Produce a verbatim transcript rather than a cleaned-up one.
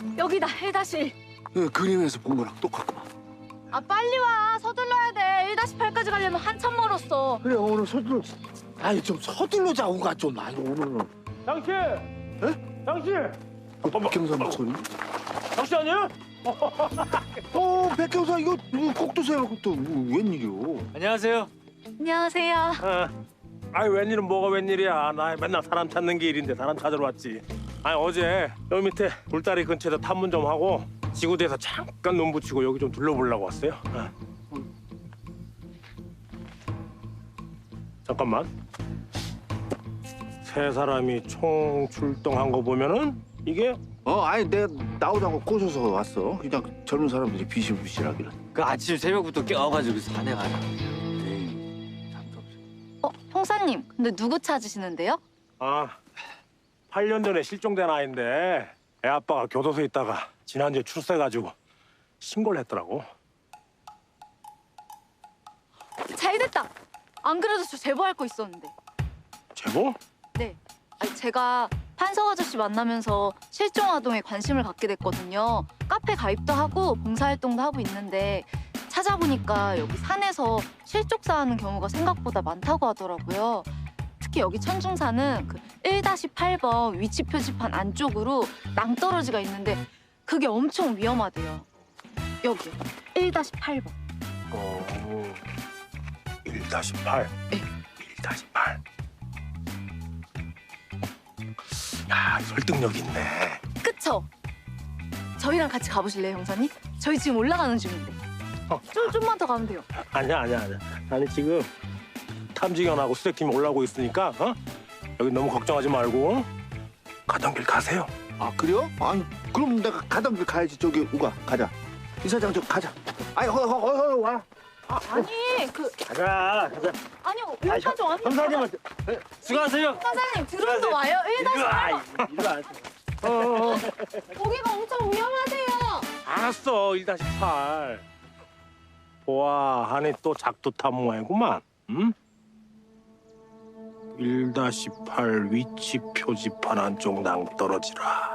여기다 일 다시 일. 그림에서 본 거랑 똑같구만. 아 빨리 와. 서둘러야 돼. 일 다시 팔까지 가려면 한참 멀었어. 그래 오늘 서둘러. 아니 좀 서둘러 자고가 좀 아니 오늘은. 당신! 에? 당신! 어, 백경사 목소리? 당신 아니야? 어 백경사 이거 꼭두 세워놓고 또 웬일이오? 안녕하세요. 안녕하세요. 어. 아니 웬일은 뭐가 웬일이야. 나 맨날 사람 찾는 게 일인데 사람 찾으러 왔지. 아니 어제 여기 밑에 돌다리 근처에서 탐문 좀 하고 지구대에서 잠깐 눈 붙이고 여기 좀 둘러보려고 왔어요. 어. 잠깐만. 세 사람이 총 출동한 거 보면은 이게 어 아니 내가 나오자고 꼬셔서 왔어. 그냥 젊은 사람들이 비실비실하기를. 그 아침 새벽부터 깨워가지고 산행하라. 에이 잠도 없어. 어, 형사님. 근데 누구 찾으시는데요? 아 팔 년 전에 실종된 아이인데 애 아빠가 교도소에 있다가 지난주에 출소해가지고 신고를 했더라고. 잘 됐다. 안 그래도 저 제보할 거 있었는데. 제보? 네. 아니, 제가 판석 아저씨 만나면서 실종 아동에 관심을 갖게 됐거든요. 카페 가입도 하고 봉사활동도 하고 있는데 찾아보니까 여기 산에서 실족사하는 경우가 생각보다 많다고 하더라고요. 특히 여기 천중산은 그 일 다시 팔 번 위치 표지판 안쪽으로 낭떠러지가 있는데 그게 엄청 위험하대요. 여기요. 일 다시 팔 번. 어... 일 다시 팔. 네. 일 다시 팔. 야, 설득력 있네. 그쵸? 저희랑 같이 가보실래요, 형사님? 저희 지금 올라가는 중인데. 어. 좀, 좀만 더 가면 돼요. 아니야, 아니야, 아니야. 아니 지금 탐지견하고 수색팀이 올라오고 있으니까 어? 여기 너무 걱정하지 말고 어? 가던 길 가세요. 아 그래요? 아니 그럼 내가 가던 길 가야지. 저기 우가 가자. 이사장 저 가자. 아니 허허허 와. 아, 아니, 그, 가자, 가자. 아니요, 여기까지 왔는데. 형사님한테 수고하세요. 형사님, 드론도 와요. 일 다시 팔 번. 이리 와. 어, 어, 어. 거기가 엄청 위험하대요. 알았어, 일 다시 팔. 보아하니 또 작두 탐모해구만. 응? 일 다시 팔 위치 표지판 안쪽 낭 떨어지라.